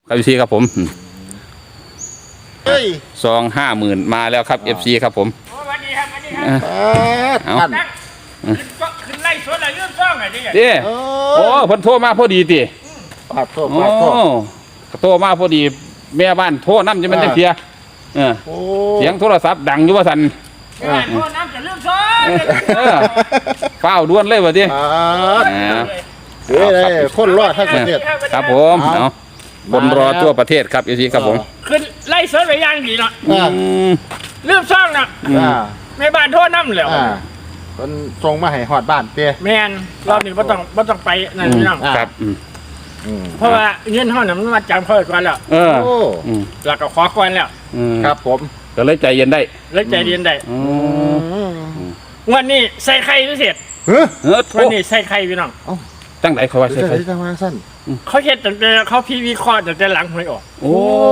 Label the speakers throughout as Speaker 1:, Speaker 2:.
Speaker 1: ครับ FC ครับผม
Speaker 2: เฮ้ย
Speaker 1: ซอง50,000มาแล้วครับ FC ครับผม
Speaker 3: สวัสดีครับสวัสดีครับ
Speaker 1: เอา
Speaker 2: ท่าน
Speaker 3: นั่งขึ้นไล่สวนอะไรเรื่องซ่องอะไรนี่
Speaker 1: เด้โอ้เพิ่นโทรมาพอดีติ
Speaker 2: ปาดโทษ
Speaker 1: โอ้
Speaker 2: ปาดโทษ
Speaker 1: โทรมาพอดีแม่บ้านโทรนำจะมันจังเสีย
Speaker 2: โอ้
Speaker 1: เสียงโทรศัพท์ดังอยู่ว่าซั่น
Speaker 3: โทษน้ำจะเรื่องซ่อง
Speaker 1: ฟ้าวด่วนเลยว่าติ
Speaker 2: ปาดเฮ้ยเลยคนรอดทั้งประเทศ
Speaker 1: ครับผมเอาคนรอทั่วประเทศครับ FC ครับผม
Speaker 3: ขึ้นไล่สวนไปย่างดีเนาะ
Speaker 2: อ่า
Speaker 3: เรื่องซ่องน่ะ ในบ้านโทษน้ำแล้ว
Speaker 2: คนส่งมาให้หอดบ้านเตี้ย
Speaker 3: แมนรอบนี้บ่ต้องไปนั่นพี่น้อง
Speaker 1: ครับ
Speaker 3: เพราะว่าเงินห้องน่ะมันมาจำเขาก่อนแล้ว
Speaker 2: โอ้
Speaker 3: แล้วก็ขอก่อนแล้ว
Speaker 2: ครับผม
Speaker 1: ก็เลยใจเย็นได้
Speaker 3: แล้วใจเย็นได้วันนี้ใส่ไข่พิเศษ
Speaker 2: เฮ้ย
Speaker 3: วันนี้ใส่ไข่พี่น้อง
Speaker 1: ตั้งไหนเขาว่าใช่ไหม
Speaker 2: จะมาสั้น
Speaker 3: เขาเฮ็ดตั้งแต่เขาพีวีคอร์ตั้งแต่หลังหวยออก
Speaker 1: โอ้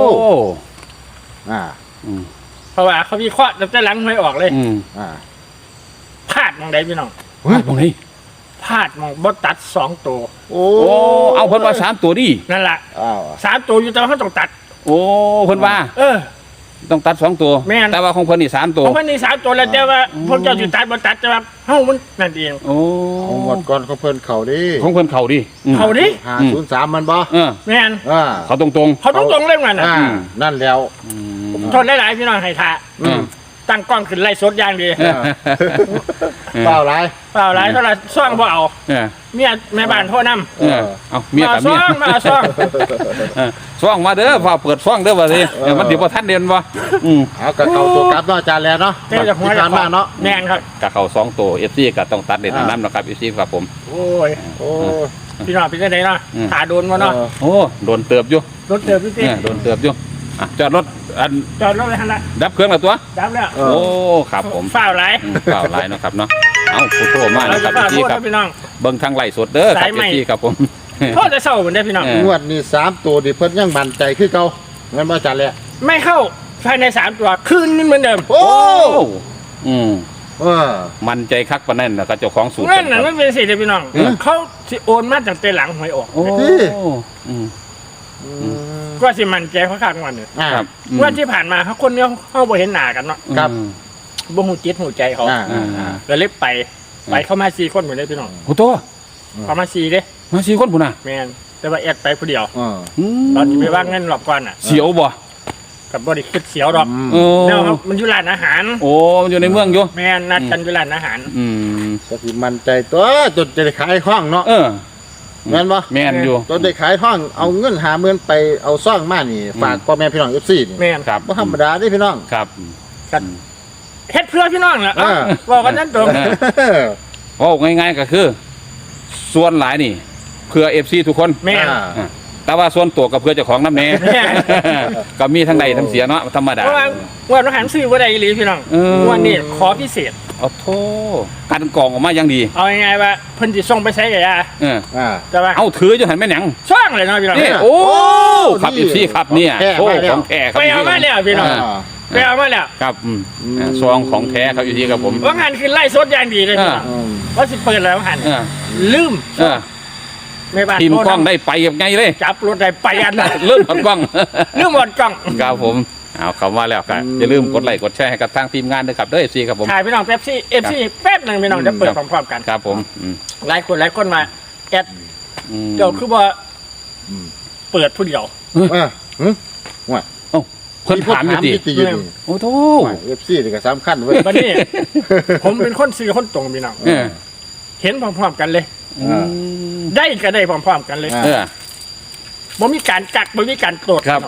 Speaker 3: เพราะว่าเขาวิเคราะห์ตั้งแต่หลังหวยออกเลยพลาดมองใดพี่น้อง
Speaker 1: ตรงนี้
Speaker 3: พลาดมองบดตัด2 ตัว
Speaker 2: โอ้
Speaker 1: โอ้เอาเพิ่นว่า3ตัวดิ
Speaker 3: นั่นแหละ
Speaker 2: อ้าว
Speaker 3: 3 ตัวอยู่แต่ว่าเขาต้องตัด
Speaker 1: โอ้เพิ่นว่า ต้องตัด2ตัว
Speaker 3: แม่น
Speaker 1: แต่ว่าของเพิ่นนี่3ตัว
Speaker 3: เพราะมันนี่3 ตัวแล้วแต่ว่าพวกเจ้าสิตัดบ่ตัดแต่ว่าเฮามันนั่นเอง
Speaker 1: โอ้
Speaker 2: หมดก่อนเขาเพิ่นเข่าดิ
Speaker 1: ของเพิ่นเข้าดิ
Speaker 3: เขาดิ
Speaker 2: 503มันบ่
Speaker 3: แม่น
Speaker 1: เขาตรง
Speaker 3: เขาต้องตรงเรื่องนั้นน่ะ
Speaker 2: นั่นแล้ว
Speaker 3: ทนหลายๆพี่น้องให้ท่าตั้งกล้องขึ้นไล่สดอย่างดี
Speaker 2: เปล่าไร
Speaker 3: เปล่าหลายเท่าไหร่ซ่องบ่เอาเมียแม่บ้านโทษนำ
Speaker 1: เอาเมียกับเมีย
Speaker 3: มาซ่อง
Speaker 1: ซ่องมาเด้อฟ้าเปิดซ่องเด้อว่าสิมันสิบ่ทันเด่นบ่
Speaker 2: เอากระเขาตัวกลับเนาะอาจารย์แล้วเนาะ
Speaker 3: เจ้าจากหัว
Speaker 2: ที่ผ่านมาเนาะ
Speaker 3: แม่นครับ
Speaker 1: กะเข้า2ตัว FC ก็ต้องตัดเด่นนำนะครับ FC ครับผม
Speaker 3: โอ้ย
Speaker 2: โอ้
Speaker 3: พี่น้องเป็นจังไดเนาะขาโดนบ่เนาะ
Speaker 1: โอ้โดนเติบอยู่
Speaker 3: รถเติบพี่ติ
Speaker 1: โดนเติบอยู่จอดรถอัน
Speaker 3: จอดรถเลยหั่นละ
Speaker 1: ดับเครื่องแล้วตัว
Speaker 3: ดับแล้ว
Speaker 1: โอ้ครับผม
Speaker 3: ฝ้าวหลาย
Speaker 1: เปล่าหลายเนาะครับเนาะเอาผู้โทรมา
Speaker 3: เรา
Speaker 1: นะค
Speaker 3: จะ
Speaker 1: รับ
Speaker 3: ฝ้าว
Speaker 1: พี่
Speaker 3: พูด
Speaker 1: ครับ
Speaker 3: พี่น้อง
Speaker 1: เบิ่งทางไลฟ์สดเด้อครั
Speaker 3: สา
Speaker 1: บ
Speaker 3: ยใหม่
Speaker 1: พี่ครับผม
Speaker 3: โทษจะเศร้าเหมือนได้พี่น้อง
Speaker 2: งวดนี้3ตัวดิเพิ่นยังมั่นใจคือเก่างั้นบ่อาจารย์แล้ว
Speaker 3: ไม่เข้าภายใน3 ตัวคืนนึงเหมือนเดิม
Speaker 2: โอ้
Speaker 1: อืม
Speaker 2: เออ
Speaker 1: มันใจคักปานนั้นนะครับเจ้าของสูตร
Speaker 3: เงินน่ะมันเป็นสิเด้อพี่น้องเขาสิโอนมาตั้งแต่หลังหวยออก
Speaker 1: โอ้อืม
Speaker 3: ก็สิมันใจเขาคักวันนึง
Speaker 1: ครับ
Speaker 3: ว่าที่ผ่านมาเขาคนเนี้ยเขาบ่เห็นหน้ากันเนาะ
Speaker 2: ครับ
Speaker 3: บ่ฮู้จิตฮู้ใจเขา แล้วเลยไปเข้ามา4 คนเหมือนได้พี่น้อง
Speaker 1: โอ้ตัว
Speaker 3: เข้ามา4เด้
Speaker 1: มา4คนพุ่นน่ะ
Speaker 3: แม่นแต่ว่าแอดไปผู้เดียว
Speaker 2: อืม
Speaker 3: ตอนที่ไปว่างเงินรอบก่อนน่ะ
Speaker 1: เสียวบ่
Speaker 3: กับบริคิดเสียวดอก
Speaker 1: โอ้
Speaker 3: แนวครับมันอยู่ร้านอาหาร
Speaker 1: โอ้มันอยู่ในเมืองอยู่
Speaker 3: แม่นนัดกันอยู่ร้านอาหาร
Speaker 1: อืม
Speaker 2: ก็สิมั่นใจตัวจนจะได้ขายห้องเนาะ
Speaker 1: เออ
Speaker 2: แม่นบ่
Speaker 1: แม่นอยู่
Speaker 2: จนได้ขายห้องเอาเงิน50,000ไปเอาซ่องมานี่ฝากพ่อแม่พี่น้อง FC นี่
Speaker 3: แม่น
Speaker 1: ครับ
Speaker 2: บ่ธรรมดาเด้พี่น้อง
Speaker 1: ครับ
Speaker 3: กันเฮ็ดเพื่อพี่น้องแหละ
Speaker 2: อ่า
Speaker 3: บอกกันนั้นตรง
Speaker 1: โอ้ง่ายๆก็คือ ส่วนหลายนี่เพื่อ FC ทุกคน
Speaker 3: แม่น
Speaker 1: แต่ว่าส่วนตัวกับเพื่อเจ้าของน้ำแน่ ก็มีทั้งใดทั้งเสียเนาะธรรมดา
Speaker 3: เพราะว่าวันอาหารซื้อบ่ได้อีหลีพี่น้อง วันนี้ขอพิเศษ
Speaker 1: โอ้โธ่กันกรองออกมาอย่างดี
Speaker 3: เอาง่ายๆว่าเพิ่นสิส่งไปใช้กับยา แต่ว่า
Speaker 1: เอาถืออยู่หันแม่นหยัง
Speaker 3: ช่างเลยเนาะพี่น้อง
Speaker 1: นี่โอ้ครับอีซี่ครับเนี่ยโอ้ของแท้ครับ
Speaker 3: ไปเอามาแล้วพี่น้องไปเอามาแล้ว
Speaker 1: ครับซองของแท้ครับอีซี่ครับผม
Speaker 3: ว่างานคือไล่สดอย่างดีเลยพี่น้องว่าสิเปิดแล้วหันลืมในบ้าน
Speaker 1: ทีมกล้องได้ไปยังไงเลย
Speaker 3: จับรถได้ไปอัน
Speaker 1: เริ่มถอดกล้อง
Speaker 3: ลืมหมดกล้อง
Speaker 1: ครับผมเอาคำว่าแล้วครับอย่าลืมกดไลค์กดแชร์ให้กับทางทีมงานด้วยครับด้วยซีครับผม
Speaker 3: ถ่ายพี่น้องเป๊ปซี่FC แป๊บนึงพี่น้องจะเปิดพร้อมๆกัน
Speaker 1: ครับผม
Speaker 3: หลายคนมาแอดเดี๋ยวคือว่าเปิดผู้เดียว
Speaker 1: เพิ่นถามอยู่ดิ
Speaker 2: ติอยู่นี่
Speaker 1: โอ้โธ่
Speaker 2: FC นี่ก็สำคัญเว้ย
Speaker 3: วันนี้ ผมเป็นคนซื้อคนตรงพี่น้องเห็นพร้อมๆกันเลย ได้ก็ได้พร้อมๆกันเลยบ่มีการกักบ่มีการตรวจ
Speaker 1: ครับ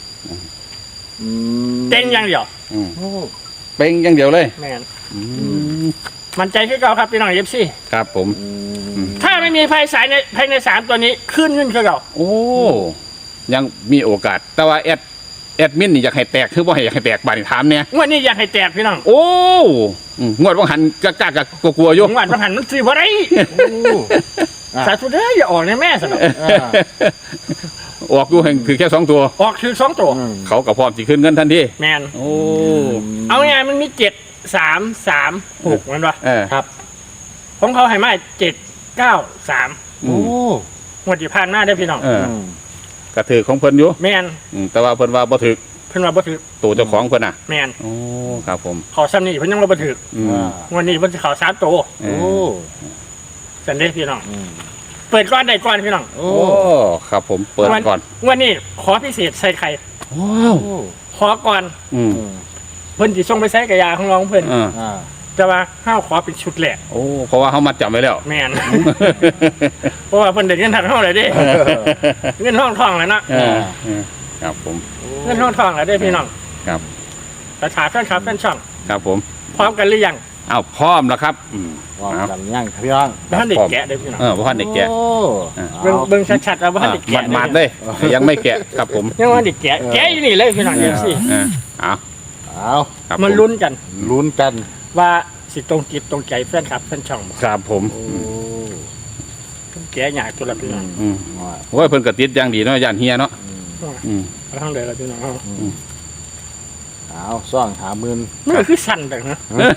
Speaker 3: เต็งอย่างเดียว
Speaker 1: เป็นอย่างเดียวเลย
Speaker 3: แม่นมันใจคือเก่าครับพี่น้องFC
Speaker 1: ครับผม
Speaker 3: ถ้าไม่มีภายใน3ตัวนี้ขึ้นคือเก่า
Speaker 1: โอ้ยังมีโอกาส แต่ว่าแอดมินนี่อยากให้แตกคือบ่ให้อยากให้แตกบาดนี่ถามเนี่ย
Speaker 3: งวดนี้อยากให้แตกพี่น้อง
Speaker 1: โอ้งวดว่างหันกะกลัวอยู่
Speaker 3: งวดบ่หันมันซื้อบ่ได้สาธุเด้ออย่าออกในแม่ซะเนาะ
Speaker 1: ออกอยู่แห่งคือแค่2ตัว
Speaker 3: ออกคือ2ตัว
Speaker 1: เขาก็พร้อมสิขึ้นเงินทันที
Speaker 3: แม่น
Speaker 1: โอ้
Speaker 3: เอาไงมันมี7-3-3-6มันวะ
Speaker 2: ครับ
Speaker 3: ของเขาให้มา7-9-3
Speaker 2: โอ้
Speaker 3: งวดที่ผ่านมาได้พี่น้อง
Speaker 1: กระถือของเพิ่นอยู่
Speaker 3: แม่น
Speaker 1: แต่ว่าเพิ่นว่าบ่ถือ
Speaker 3: เพิ่นว่าบ่ถือ
Speaker 1: ตัวเจ้าของเพิ่นน่ะ
Speaker 3: แม่น
Speaker 1: โอ้ครับผม
Speaker 3: ขอซ้ำนี่เพิ่นยังบ่ถือ
Speaker 1: อืม
Speaker 3: วันนี้เพิ่นสิเข้า3ตัว
Speaker 1: เอ
Speaker 2: โอ้
Speaker 1: อ
Speaker 3: สันเด้พี่น้อง
Speaker 2: อืม
Speaker 3: เปิดก้อนได้ก้อนพี่น้อง
Speaker 2: โอ้
Speaker 1: โอ้ครับผมเปิดก่อน
Speaker 3: วันนี้ขอพิเศษใส่ไข่
Speaker 1: ว้าว
Speaker 2: โอ้
Speaker 3: ขอก่อน
Speaker 1: อืม
Speaker 2: อืม
Speaker 3: เพิ่นสิส่งไปใส่กระยาของน้องเพิ่น
Speaker 1: อ่า
Speaker 2: อ่า
Speaker 3: แต่ว่าห้าวขอเป็นชุดแรก
Speaker 1: โอ้เพราะว่าเขามาจับไว้แล้ว
Speaker 3: แม่น เพราะว่าเพิ่นได้เงินทางเฮาเลยเด้เงินทองแล้วเนาะ
Speaker 1: เออครับผม
Speaker 3: เงินทองแล้วเด้พี่น้อง
Speaker 1: ครับ
Speaker 3: ประชาชนครับแฟนช่อง
Speaker 1: ครับผม
Speaker 3: พร้อมกันหรือยัง
Speaker 1: อ้าวพร้อมแล้วครับ
Speaker 2: วาง
Speaker 1: เอา
Speaker 2: กันย่างพี่น้อง
Speaker 3: บ้านเด็กแกะเด้อพี่น้อง
Speaker 1: พ่อเด็กแกะ
Speaker 2: โอ้
Speaker 3: เบิ่งชัดๆว่าบ้านเด็กแกะ
Speaker 1: มาดๆเลยยังไม่แกะครับผม
Speaker 3: ยังว่าเด็กแกะแกะอยู่นี่เลยพี่น้องเดี๋ยวสิ
Speaker 1: เอา
Speaker 2: เอา
Speaker 1: ครับ
Speaker 3: มันลุ้นกัน
Speaker 2: ลุ้นกัน
Speaker 3: ว่าสิตรงจิตตรงใจแฟนคลับแฟนช่องบ่
Speaker 1: ครับผม
Speaker 2: โอ้
Speaker 3: แกะยากตัวละพี่น้อง
Speaker 1: อืม
Speaker 2: ว่า
Speaker 1: โอ้ยเพิ่นกระติดอย่างดีเนาะย่านเฮียเนาะอืม
Speaker 3: เอาทางเดินละพี่น้องเอา
Speaker 2: เอาซ่องหาหมื่น
Speaker 3: มันก็คือสั่นแต่นะ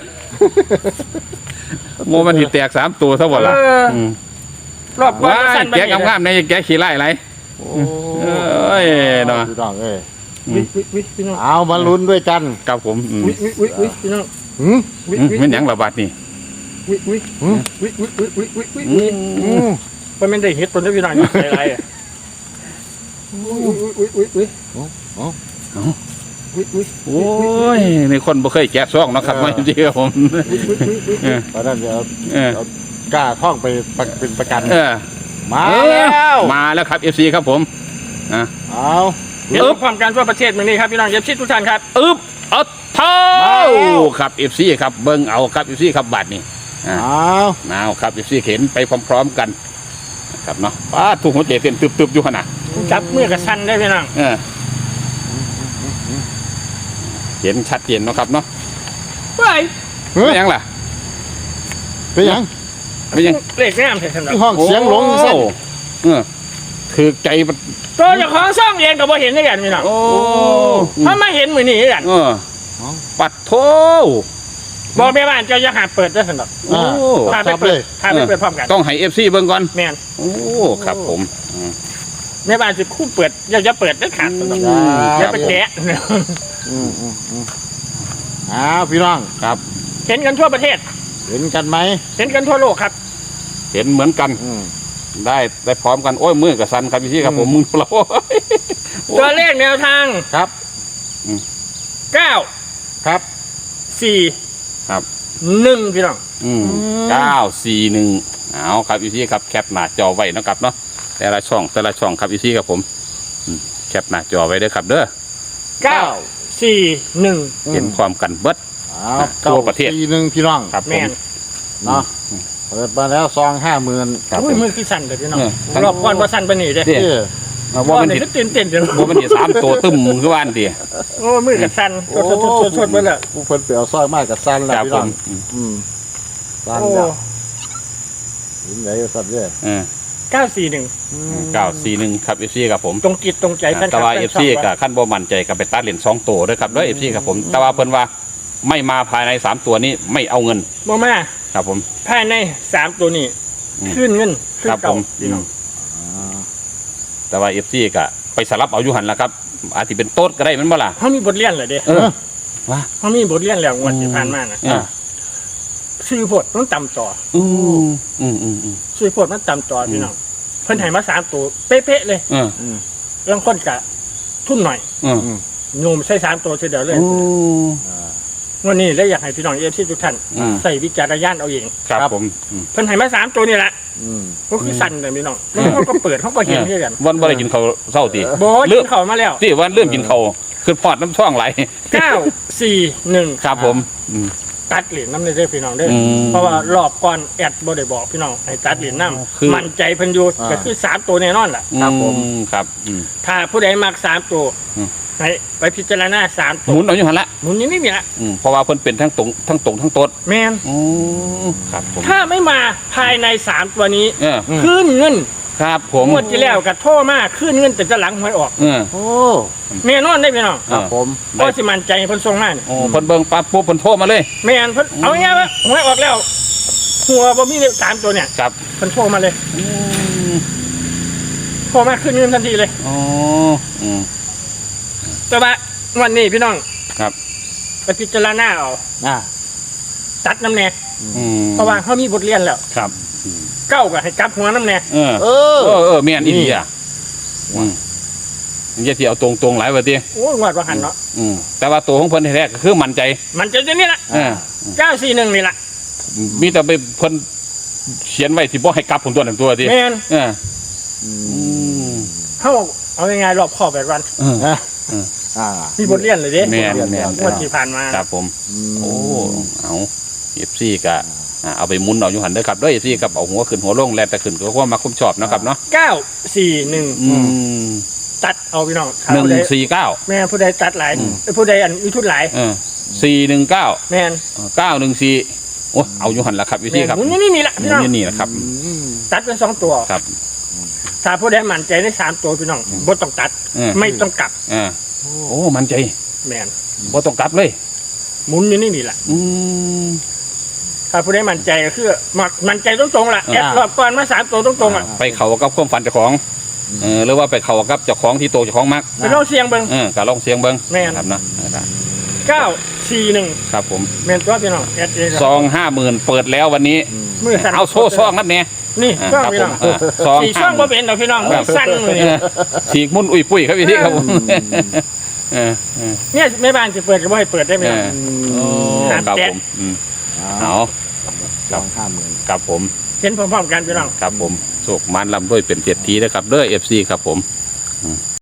Speaker 1: โมมันสิแตก3ตัวซะบ่ล่ะ
Speaker 3: เอออื
Speaker 1: ม
Speaker 3: รอบก่อน
Speaker 1: ว้า
Speaker 3: ก็
Speaker 1: ย
Speaker 3: สั่นไป
Speaker 1: แกะงามๆในแกะขี้ไล่ไหล
Speaker 2: โอ้
Speaker 1: เอ้ยเนาะ
Speaker 2: พี่น้องเอ้ย
Speaker 3: วิพี่น้อง
Speaker 2: เอามาลุ้นด้วยกัน
Speaker 1: ครับผมอืม
Speaker 3: วิพี่น้อง
Speaker 2: หืม
Speaker 3: วิ
Speaker 1: มันหยังระบาดนี่
Speaker 3: วิ
Speaker 2: หืม อืม
Speaker 3: มันไม่ได้เฮ็ดตัวนี้พี่น้องใส่อะไรอ่ะวิ
Speaker 2: โอ้
Speaker 1: โอ้ยในคนบ่เคยแกะซองเนาะครับว่าจริงๆครับผมเออ
Speaker 2: ตอนนั้นเดี๋ยว
Speaker 1: เออ
Speaker 2: กล้าท่องไปเป็นประกัน
Speaker 1: เออ
Speaker 2: มาแล้ว
Speaker 1: มาแล้วครับ FC ครับผม
Speaker 2: เอา
Speaker 3: เห็นความการทั่วประเทศมื้อนี้ครับพี่น้องเย็บชิดทุกท่านครับ
Speaker 1: อึ๊บเอาเท่าครับ FC ครับเบิ่งเอาครับ FC ครับบัดนี้
Speaker 2: เอา
Speaker 1: เอาครับ FC เห็นไปพร้อมๆกันครับเนาะป้าถูกหัวใจเต้นตึบๆอยู่ขนาด
Speaker 3: จับมือกับสั่นได้พี่น้อง
Speaker 1: เห็นชัดเจนเนาะครับเนาะ
Speaker 3: เฮ้ย
Speaker 2: เฮ้ย
Speaker 1: ไม่ยังล่ะ
Speaker 2: เป็นหยัง
Speaker 1: ไม่ยัง
Speaker 3: เลขงามเถอะสำหรับ
Speaker 2: ที่ห้องเสียงหลง
Speaker 1: โอ้
Speaker 2: สั่น
Speaker 1: เออถือใจมัน
Speaker 3: ตัวเจ้าของซ่องเองก็บ่เห็นด้วยกันพี่น้อง
Speaker 1: โอ้
Speaker 3: ถ้ามาเห็นมื้อนี้กัน
Speaker 1: เออปัดโท
Speaker 3: บอกแม่บ้านเจ้าอย่าหาเปิดเด้อสำหรับ
Speaker 1: โอ้
Speaker 3: พาไป
Speaker 2: จับ
Speaker 3: เปิ
Speaker 2: เล
Speaker 3: ด
Speaker 2: ย
Speaker 3: พาไปเปิดพร้อมกัน
Speaker 1: ต้องให้ FC เบิ่งก่อน
Speaker 3: แม่น
Speaker 1: โอ้ครับผม
Speaker 3: แม่บ้านสิคู่เปิดอย่าเปิดเด้อขาดสำหรับอย่าไปแกะ
Speaker 2: อืมเอาพี่น้อง
Speaker 1: ครับ
Speaker 3: เห็นกันทั่วประเทศ
Speaker 2: เห็นกันไหม
Speaker 3: เห็นกันทั่วโลกครับ
Speaker 1: เห็นเหมือนกัน
Speaker 2: อืม
Speaker 1: ได้พร้อมกันโอ้ยมือกับสันครับพี่ครับผมมือเรา
Speaker 3: ตัวเลขแนวทาง
Speaker 2: ครับ
Speaker 3: 9
Speaker 2: ครับ
Speaker 3: 4
Speaker 1: ครับ
Speaker 3: 1พี่น้อง
Speaker 1: 941เอาครับพี่ครับแคปหน้าจอไว้นะครับเนาะแต่ละช่องครับพี่ครับผมแคปหน้าจอไว้เด้อครับเด้อ
Speaker 3: 9 4 1
Speaker 1: เห็นความกันเบิด
Speaker 2: เอา
Speaker 1: ทั่วประเทศ
Speaker 2: ปีหนึ่งพี่น้อง
Speaker 1: ครับผ
Speaker 3: แม่
Speaker 1: ม
Speaker 3: น
Speaker 2: เนาะเปิดมาแล้วซอง50,000
Speaker 1: ครับ
Speaker 3: โอ้
Speaker 1: ผ
Speaker 3: ย
Speaker 1: ม
Speaker 3: มือคือสั่นเลยพี่น้อง
Speaker 1: ทั้ง
Speaker 3: รอบก่อนว่าสั่นปานนี้เด้
Speaker 1: เด้
Speaker 2: เอ้ย
Speaker 1: ว่ามัน
Speaker 3: นี่
Speaker 1: ติด
Speaker 3: ก็ตื่นเต้นเด้อ
Speaker 1: ว่ามันติด3ตัวตึมคือว่านดี
Speaker 3: โอ้มือกับสั่นชดๆๆๆเบิดแล้ว
Speaker 2: ผู้เพิ่นไปเอาซอยมากกับสั้นแล้ว
Speaker 1: ครับ
Speaker 2: พี่
Speaker 1: ผ
Speaker 2: น้อง
Speaker 1: ม
Speaker 2: อืมสั้น
Speaker 3: โอ้
Speaker 2: แล้วเห็นไหนสั้นเนี่ย
Speaker 3: 941
Speaker 1: 941ครับพี่ครับผม
Speaker 3: ตรงจิตตรงใจแฟนค
Speaker 1: แต่
Speaker 3: ลับ
Speaker 1: ว่า
Speaker 3: แฟน
Speaker 1: FC
Speaker 3: ช่อง
Speaker 1: กับขั้นบ่มั่นใจกับไปตัดเหรียญ2ตัวด้วยครับด้วย FC ครับผมแต่ว่าเพิ่นว่าไม่มาภายใน3ตัวนี้ไม่เอาเงิน
Speaker 3: บ่มา
Speaker 1: ครับผม
Speaker 3: ภายใน3ตัวนี้
Speaker 1: อืม
Speaker 3: ขึ้นเงินขึ้น
Speaker 1: ครับผ
Speaker 3: เก่าม พี่น้อง
Speaker 1: แต่ว่า FC ก็ไปสลับเอาอยู่หันละครับ อาจจะเป็นโต๊ดก็ได้แมันบ่ล่ะ
Speaker 3: เขามีบทเรียนเหรอเด้
Speaker 1: เออว่า
Speaker 3: เขามีบทเรียนแล้วงวดที่ผ่านมานะ
Speaker 1: อ่า
Speaker 3: ชื่อโพดมันต่ำต่อ
Speaker 1: อืม
Speaker 3: ชื่อโพดมันต่ำต่อพี่น้องเพิ่นให้มา3ตัวเป๊ะๆเลย
Speaker 1: เออ
Speaker 3: ลางคนกะทุ่มหน่อย
Speaker 1: เออ
Speaker 3: โยมใช้3ตัวเฉยเดียวเลย
Speaker 1: โอ้
Speaker 3: วันนี้เลยอยากให้พี่น้องเอฟซีทุกท่าน
Speaker 1: อืม
Speaker 3: ใส่วิจารณญาณเอาเอง
Speaker 1: ครับผม
Speaker 3: เพิ่นให้มา3ตัวนี่แหละ
Speaker 2: อืม
Speaker 3: ก็คือสั่นเลยพี่น้องแล้วเขาก็เปิดเขาก็เห็นเช่นกัน
Speaker 1: วันบ่ได้กินข้าวเช้าติ
Speaker 3: โบย
Speaker 1: เลื
Speaker 3: กิ
Speaker 1: อก
Speaker 3: นเข้ามาแล้ว
Speaker 1: ที่วันเริ่มกินข้าวคือพอดน้ำช่องไหล
Speaker 3: 941
Speaker 1: ครับผมอืม
Speaker 3: ตัดเหรียญน้ำในเด้อพี่น้องเด้อ
Speaker 1: อืม
Speaker 3: เพราะว่ารอบก่อนแอดบ่ได้บอกพี่น้องให้ตัดเหรียญน้
Speaker 1: คือ
Speaker 3: ำมั่นใจเพิ่นอยู่ก็คือ3ตัวแน่นอนล่ะ
Speaker 2: ครับผม
Speaker 1: ครับ
Speaker 3: ถ้าผู้ใดมัก3ตัว
Speaker 1: อืม
Speaker 3: ให้ไปพิจารณา3
Speaker 1: ห
Speaker 3: ตัว
Speaker 1: มุนเอาอยู่หันละ
Speaker 3: หมุนอย่างนี้นี่แหละ
Speaker 1: เพราะว่าเพิ่นเป็นทั้งตรงทั้งโต๊ด
Speaker 3: แมน
Speaker 1: ครับผม
Speaker 3: ถ้าไม่มาภายใน3ตัวนี้
Speaker 1: เออ
Speaker 3: ขึ้นเงิน
Speaker 1: ครับผม
Speaker 3: งวดที่แล้วก็โทรมาขึ้นเงินแต่จะหลังหวยออก
Speaker 1: เออ
Speaker 2: โอ้
Speaker 3: แน่นอนได้พี่น้อง
Speaker 2: ครับผม
Speaker 3: ก็สิมั่นใจให้เพิ่นส่งมานี่
Speaker 1: โอ้เพิ่นเบิ่งปั๊บปุ๊บเพิ่นโทรมาเลย
Speaker 3: แม่นเพิ่นเอาง่ายๆว่าหวยออกแล้วหัวบ่มีเลข3ตัวเนี่ย
Speaker 1: ครับ
Speaker 3: เพิ่นโทรมาเลยพอมาขึ้นเงินทันทีเลย
Speaker 1: อ๋ออืม
Speaker 3: แต่ว่าวันนี้พี่น้อง
Speaker 1: ครับ
Speaker 3: ไปพิจารณาเอา
Speaker 2: อ่า
Speaker 3: ตัดน้ำแน่
Speaker 1: อืม
Speaker 3: เพราะว่าเขามีบทเรียนแล้ว
Speaker 1: ครับ
Speaker 3: เก้าก็ให้กลับหัวน้ำแน่
Speaker 1: เออ
Speaker 2: เอ
Speaker 1: เอ
Speaker 2: อ
Speaker 1: อแม่นอีดีอ่ะอืมอย่าที่เอาตรงๆหลายว่าติ
Speaker 3: โอ้ยงวดว่าหันเนาะ
Speaker 1: แต่ว่าตัวของเพิ่นแท้ๆก็คือมั่นใจ
Speaker 3: มันจะนี่ละ
Speaker 1: เออ
Speaker 3: 941นี่ละ
Speaker 1: มีแต่ไปเพิ่นเขียนไว้ที่บ่ให้กลับผมตัวนั้นตัวติ
Speaker 3: แมน
Speaker 1: เออ
Speaker 2: อื
Speaker 1: อื
Speaker 2: ม
Speaker 1: ม
Speaker 3: เขาเอายังไงรอบคอบแบบวัน
Speaker 1: เออ
Speaker 2: อ่ะอ่า
Speaker 3: มีบทเรียนเลยเด้
Speaker 1: แม่นแม่น
Speaker 3: งวดที่ผ่านมา
Speaker 1: ครับผม
Speaker 2: ม
Speaker 1: โอ้ เอาFC ก็เอาไปหมุนเอาอยู่หันเด้อครับเด้อ FC กับเอาหัวขึ้นหัวลงแล้วแต่ขึ้นก็ความมักความชอบนะครับเนาะ
Speaker 3: 941
Speaker 1: อืม
Speaker 3: ตัดเอาพี่น้องถ้าผู้ใด
Speaker 1: 149
Speaker 3: แม่นผู้ใดตัดหลายผู้ใดอันมีทุนหลาย
Speaker 1: 419
Speaker 3: แม่น
Speaker 1: 914โอ้เอาอยู่หันละครับ FC ครับ
Speaker 3: หมุนนี่ละ
Speaker 1: หมุ
Speaker 3: พี่น้อง
Speaker 1: นนี่นะครับ
Speaker 2: อืม
Speaker 3: ตัดเป็น2ตัว
Speaker 1: ครับ
Speaker 3: ถ้าผู้ใดมั่นใจได้3ตัวพี่น้องบ่ต้องตัด
Speaker 1: เออ
Speaker 3: ไม่ต้องกลับ
Speaker 1: เออโอ้มันใจ
Speaker 3: แม่น
Speaker 1: บ่ต้องกลับเลย
Speaker 3: หมุนอยู่นี่ละ
Speaker 1: อืม
Speaker 3: ถ้าผู้ใดมั่นใจก็คือมั่นใจตรงๆล่ะแอดรอบก่อนมา3ตัวตรงๆอ่ะ
Speaker 1: ไปเข้ากับความฝันเจ้าของหรือว่าไปเข้ากับเจ้าของที่โตเจ้าของมัก
Speaker 3: ไปลองเสียงเบิ่ง
Speaker 1: ก็ลองเสียงเบิ่ง
Speaker 3: แม่น
Speaker 1: ครับนะ
Speaker 3: 941
Speaker 1: ครับผม
Speaker 3: แม่นตัวพี่น้องแอดเอง
Speaker 1: ซอง50,000เปิดแล้ววันนี้
Speaker 3: มือสั่น
Speaker 1: เอาโซ่ซองนั่นเนี่ย
Speaker 3: นี่ช่องพี่น้อง
Speaker 1: ซอง
Speaker 3: สีช่องบ่เป็นดอกพี่น้องมือสั่นเลย
Speaker 1: ฉีกมุ่นอุ้ยปุ้ยครับพี่ที่ครับผมเออเออ
Speaker 3: เนี่ยแม่บ้านจะเปิดก็บ่ให้เปิดได้ไหมล่ะ
Speaker 1: โอ้ครับผมเอา
Speaker 2: สอง50,000
Speaker 1: ครับผม
Speaker 3: เห็นพร้อมๆกันพี่น้อง
Speaker 1: ครับผมโศกมันลำด้วยเป็นเจ็ดทีนะครับเด้อ FC ครับผม